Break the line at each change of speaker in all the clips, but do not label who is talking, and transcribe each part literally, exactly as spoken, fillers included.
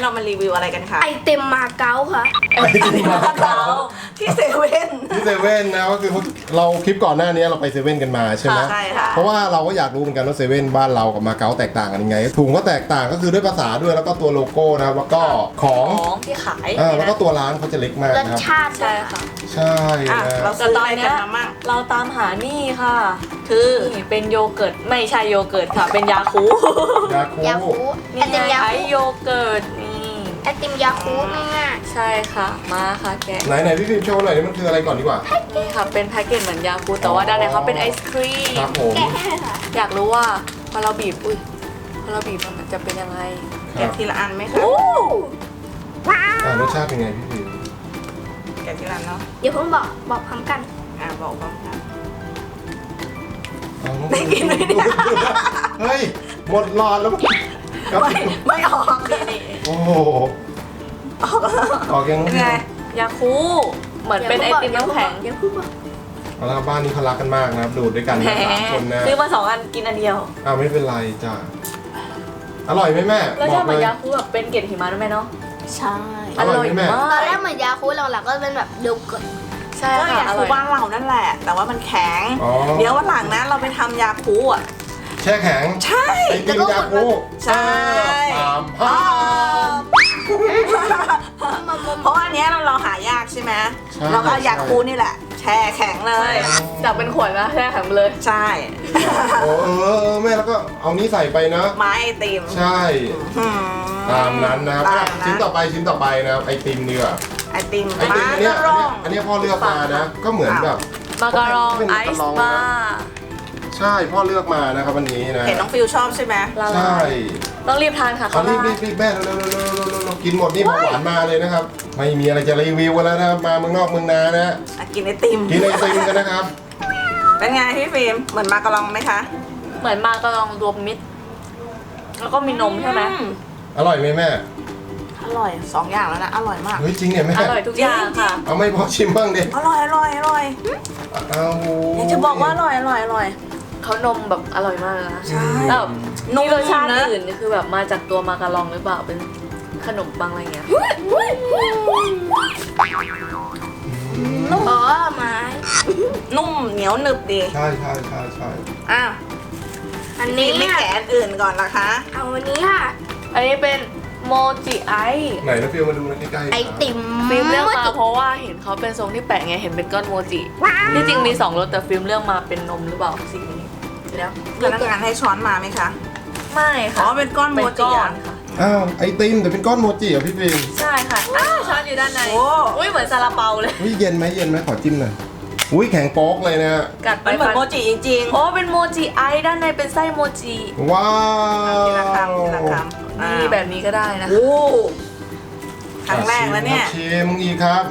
เรามารีวิวอะไรกันคะ
ไอเต็มมาเก๊าค่ะ
ไอติมมาเก๊า
ที่เซเว่น
ที่เซเว่นนะก็คือเราคลิปก่อนหน้านี้เราไปเซเว่นกันมาใช่ไหม
ใช่ค่ะ
เพราะว่าเราก็อยากรู้เหมือนกันว่าเซเว่นบ้านเรากับมาเก๊าแตกต่างกันยังไงถุงก็แตกต่างก็คือด้วยภาษาด้วยแล้วก็ตัวโลโก้นะครับแล้วก็ของ
ของที่ขาย
อ่าแล้วก็ตัวร้านเขาจะเล็กมาก
รส
นะครับ
ชาติ
ใช่ค่ะ
ใช่
อ่ะ
นะ
เรา
แต่
ซื้อ
ต
อะ
อน
ไร
เนี้
กัน
ย
มามั่ง
เราตามหานี่ค่ะ
คือ
นี่เป็นโยเกิร์ตไม่ใช่โยเกิร์ตค่ะ เป็นยาคู
ยาคู
ยาคูไอ
นี่
ติม
ไง
ยา
ไอ
คู
โยเกิร์ตนี่
ไอติมยาคูง่าย
ใช่ค่ะมาค่ะแกะ
ไหนไหนพี่ฟิล์มโชว์หน่อยนี่มันคืออะไรก่อนดีกว่า
นี่ค่ะเป็นแพ็กเกจเหมือนยาคูแต่ว่าด้านในเขาเป็นไอศครี
ครั
ม
บผม
ๆแกะให้เลยค่ะ
อยากรู้ว่าพอเราบีบอุ้ยพอเราบีบมันจะเป็นยังไง
ครั
แกะ
บ
ทีละอันไหมคะ
โอ้
อ่ารสชาติเป็นไงพี่ฟิล์ม
แกะทีละอันเนาะ
เดี๋ยวเพิ่งบอกบอกพร้อมกัน
อ่ะบอกพร้อมกัน
เอาน้อง
ได้กินไหมเนี่ย
เฮ้ยหมดหลอดแล้วครับ
ไม่ไม่ออก
นี่
โอ้โหออกยัง
เป็นไง
ยาคูเหมือนเป็นไอติมน้ำแข็ง
เดี๋ยวเพิ่งบอก
เอาละครับบ้านนี้เขารักกันมากนะครับดูดด้วยกัน
แหม
นะสามคนนะ
ซื้อมาสองอันกินอันเดียว
อ้าวไม่เป็นไรจ้ะอร่อยไหมแม่
แล้ว
บ
ช
อ
อบ
ก
เหมื
เล
อน
ย
ยาคูแบบเป็นเกล็ดหิมะด้วยไหมเนาะ
ใช่
อร่อยไหมแม่
มา
ตอนแร
ก
กเหมือนยาคูหลังๆก็เป็นแบบโยเกิร์ต
ใช่
ก็
ค่ะ
ยา
อ
คู
ร่อย
บ้านเรานั่นแหละ แต่ว่ามันแข็ง
อ๋อ
เดี๋ยววันหลังนะเราไปทำยาคูอ่ะ
แช่แข็ง
ใช่
ไอติมยาคู
ใช่
ตามภาพ
เพราะว่าอันเนี้ยเราเราหายากใช่ไหม
ใช่
เราก็เอายาคูนี่แหละ แช่แข็งเลย
จากเป็นขวดนะแช่แข็งไปเลย
ใช่
โอ้เออเออแม่แล้วก็เอานี้ใส่ไปนะ
ไม้ไอติม
ใช่
อื
ตามนั้นนะครับ
ตา
อ่ะ
ม
ชิ้น
นั้น
ต่อไปชิ้นต่อไปนะครับไอติมดีกว่า
ไอติม
ไอติมอันเนี้ย
กระ
อันเนี้ยอันเนี้ยพ่อเลือกมานะ ก็เหมือนแบบ
มาการอง
เป็น
ไอ
มะกะ
ซ์
รอง
บา
นะ
ร์
ใช่พ่อเลือกมานะครับวันนี้นะ
เห็นน้องฟิวชอบใช่ไหม
ละ
ใช่
ลายต้องรีบทานค่ะ
เขา
เขา
รีบ
ลา
รีบรีบแม่เร็วเร็วเร็วเร็วเร็วเร็วกินหมดนี่เบาหวานมาเลยนะครับ ไม่มีอะไรจะรีวิวกันแล้วนะครับมาเมืองนอกเมืองนานะ
อ่ะกินไอติม
กินไอติมกันนะครับ
เป็นไงพี่ฟิล์มเหมือนมากระลองไหมคะ
เหมือนมาการองรวมมิตร แล้วก็มีนมใช่ไหม
อื
อร่อยไหมแม่
อร่อยสองอย่างแล้วนะ อร่อยมาก
เฮ้ยจริงเนี่ยแม่
อร่อยทุกอย่างค่ะ
เอาไม่พอชิมบ้างดิ
อร่อยอร่อยอร่อย
เอา
อยากจะบอกว่าอร่อยอร่อยอร่อย
เขานมแบบอร่อยมากนะ
ใช่
แล้วแบบ
นม
นี่รสชาติ
นะ
อื่นคือแบบมาจากตัวมาการองหรือเปล่าเป็นขนมปังอะไรเงี้ย
อ๋อไม้
นุ่มเหนียวหนึบดี
ใช่ใช่ใช่ใช่
อ้าว
อัน
นี่
นี้
ไม่
อะ
แกะอันอื่นก่อนละคะ
เอาอันนี้ค่ะ
อันนี้เป็นโมจิไอซ์
ไหนนะฟิวมาดูนะใกล้ๆ
ไอติม
ฟิล์มเลือกมา
จิ
เพราะว่าเห็นเขาเป็นทรงที่แปลกไงเห็นเป็นก้อนโมจิที่จริงมีสองรสแต่ฟิล์มเลือกมาเป็นนมหรือเปล่าสีนี้
แล้วพนักงานให้ช้อนมาไหมคะ
ไม่
อ๋
ค่ะ
อเป็นก้อนโม
เป็น
จิ
ก้อ
อ่ะ
นค่ะ
อ้าวไอติมแต่เป็นก้อนโมจิเหรอพี่ฟิล์ม
ใช่ค่ะอ้าวช้อนอยู่ด้านใน
โอ้
อุ้ยเหมือนซาลาเปาเลย
อุ้ยเย็นไหมเย็นไหมขอจิ้มหน่อยอุ้ยแข็งโป๊กเลยนะ
กัดไป
มันเหมือน
ฟัน
โมจิจริง
โอ้เป็นโมจิไอซ์ด้านในเป็นไส้โมจิ
ว้า
ๆ
ว
ทีละคำทีละคำ
นี่แบบนี้ก็ได้นะ
โอ้ครั้งแรกแล้วเนี่ย
ชิมอีกครับ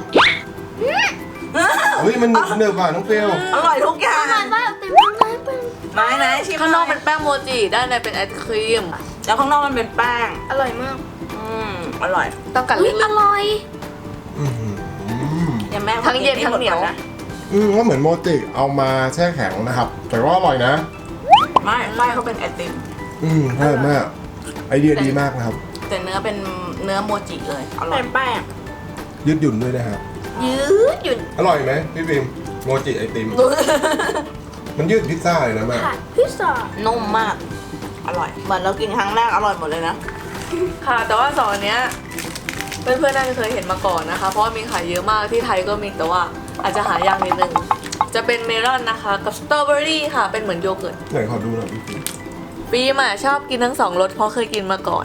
อุ้ยมันหนึบหนึบอ่ะน้องฟิว
อร่อยทุกอย่าง
ทานว่าไอติมข้างในเป็น
ไม้ไหนชิม
ข้างนอก
ห
เป็นแป้งโมจิด้านในเป็นไอศครีม
แล้วข้างนอกมันเป็นแป้ง
อร่อยมาก
อืมอร่อย
ต้องกัด
อุ้
ลึ
ย
ก
อร่อย
อื้อหือ
อย่าแม่
ทั้งเย็นทั้งเหนียว
นะ
อืมก็เหมือนโมจิเอามาแช่แข็งนะครับ แต่ว่าอร่อยนะ
ไม่ไส้เขาเป็นไอติม
อืมใช่แม่ไอเดียดีมากนะครับ
แต่เนื้อเป็นเนื้อโมจิเลย อร่อย
เป็นแป้ง
ยืดหยุ่นด้วยนะครับ
ยืดหยุ่น
อร่อยไหมพี่ฟิล์มโมจิไอติม มันยืดพิซซ่าเลยนะแม่
ผัดพิซซ่า
นุ่มมาก อร่อย เหมือนเรากินครั้งแรกอร่อยหมดเลยนะ
ค่ะ แต่ว่าสองอันเนี้ยเพื่อนๆน่าจะเคยเห็นมาก่อนนะคะ เพราะว่ามีขายเยอะมากที่ไทยก็มีแต่ว่าอาจจะหายากนิดนึงจะเป็นเมลอนนะคะกับสตรอเบอรี่ค่ะเป็นเหมือนโยเกิร์ต
ไหนขอดูหน่อยพี่ฟิล์ม
ฟิล์มอะชอบกินทั้งสองรสเพราะเคยกินมาก่อน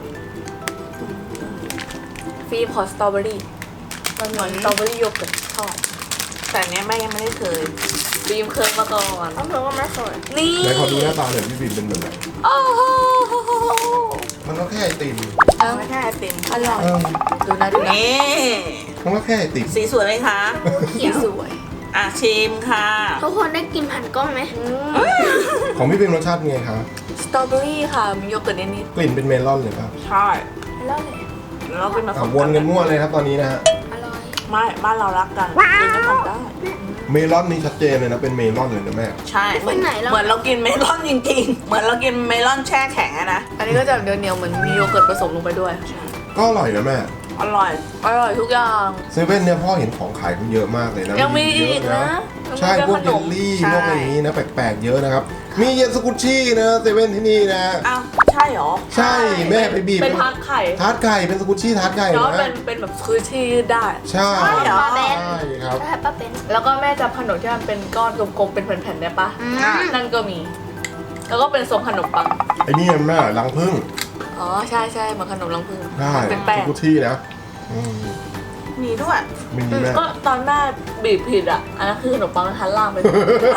ฟิล์มขอสตรอเบอรี่มันเหมือนสตรอเบอรี่โยเกิร์ตชอบ
แต่เนี้ยแม่ยังไม่ได้เคย
ฟิล์มเคยมาก่อน
เอาเถอะว่าไม่เคย
นี่
ไหนขอดูหน้าตาหน่อยพี่ฟิล์มเป็นแบบไหน
โอ้โห
มันก็แค่ไอติม
เอ้า
ไม่ใช่ไอติม
อร่อย
เออ
ดูนะดูนะ
นี่
มันก็แค่ไอติม
สีสวยไหมคะ
เขียว
สวย
อ่ะชิมค่ะ
ทุกคนได้กินผ่านกล้องไหม
ของพี่ฟิล์มรสชาติไงครับ
สตรอเบอรี่ค่ะมีโยเกิร์ตนิด
กลิ่นเป็นเมลอนเลยครับ
ใช่
แล้วเลย
เราเป็นมา
อ่ะวนกันมั่วเลยครับตอนนี้นะฮะ
อร่อย
ไม่บ้านเรารักกันกินด้วยกันได้
เมลอนนี่ชัดเจนเลยนะเป็นเมลอนเลยนะแม่
ใช่เหมือนเหมือนเรากินเมลอนจริงๆ เหมือนเรากินเมลอนแช่แข็งอะนะ
ๆอันนี้ก็จะเดี๋ยวเหนียวๆเหมือนมีโยเกิร์ตผสมลงไปด้วย
อ
ก็อร่อยนะแม่
อร่อย
อร่อยทุกอย่าง
เซเว่นเนี่ยพ่อเห็นของขายเขาเยอะมากเลยนะ
ยังมี
เย
อีก
อะ
นะ
ใช่พวกเยลลี่พวกอะไรอย่างนี้นะแปลกๆเยอะนะครับมีเย็นสกุชชี่นะเซเว่นที่นี่นะ
อ้าว ใช่เหรอ
ใช่แม่ไปบีบ
เป็นทาร์ตไข่
ทาร์ตไก่เป็นสกุชชี่ทาร์ตไก่
แล้ว
นะ
เป็นเป็นแบบคือที่ยืดได้
ใช่
ใช่เหรอ
ใช่ครับ
ใช่ป้าเป็น
แล้วก็แม่จำขนมที่มันเป็นก้อนกลมๆเป็นแผ่นๆได้ปะ
อืม
นั่นก็มี แล้วก็เป็นทรงขนมปัง
ไอ้นี่แม่รังผึ้ง
อ๋อใช่ใช่เหมือนขนมรังผึ้ง
ใช่
เป็นแป้
ส
ง
กุชชี่นะอืม
มีด้วย
มีแม่
ก็ตอนแม่บีบผิดอ่ะ อันนั้นคือขนมปังทันล่างไป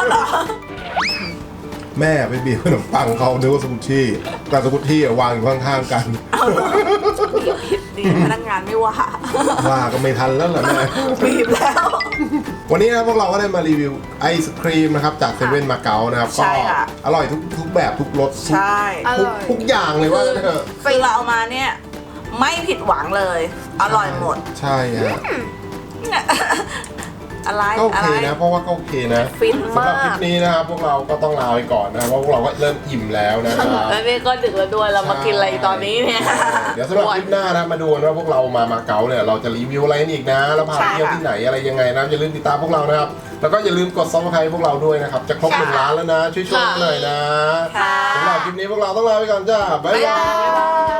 แม่ไปบีบขนมปังเขานึกว่าสกุชชี่แต่สกุชชี่อะวางอยู่ข้างๆกัน
บีบผิดดีพนักงานไม่ว่า
ว่าก็ไม่ทันแล้วเหรอแม่
บีบแล้ว
วันนี้นะพวกเราก็ได้มารีวิวไอศครีมนะครับจากเซเว่นมาเก๊านะครับ
ใช่
ก็
ค่ะ
อร่อยทุกทุกแบบทุกรสทุก
ใช่
อ
ทุก
ร่อย
ทุกอย่างเลยว่าเถอะ
คือเราเอามาเนี่ย ไม่ผิดหวังเลย อร่อยหมด
ใช่ฮะ
อะไร
ก็โอ
อะ
เค
ไร
นะเพราะว่าก็โอเคนะ
ฟิน
สำหรับ
มา
คลิ
ก
ปนี้นะครับพวกเราก็ต้องลาไปก่อนนะครับเพราะพวกเราก็เริ่มอิ่มแล้วนะครับ
แล้วนี่ก็ดึกแล้วด้วยเรามากินอะไรตอนนี้เนี่ย
เดี๋ยวสำหรับคลิปหน้านะมาดูนะว่าพวกเรามามาเก๊าเนี่ยเราจะรีวิวอะไรกันอีกนะ แล้วพาไปเที่ยวที่ไหนอะไรยังไงนะอย่าลืมติดตามพวกเรานะครับแล้วก็อย่าลืมกดซับสไครต์พวกเราด้วยนะครับจะครบหนึ่งล้านแล้วนะช่วยๆกันหน่อยนะ
ค่ะ
สำหรับคลิปนี้พวกเราต้องลาไปก่อนจ้าบ๊ายบาย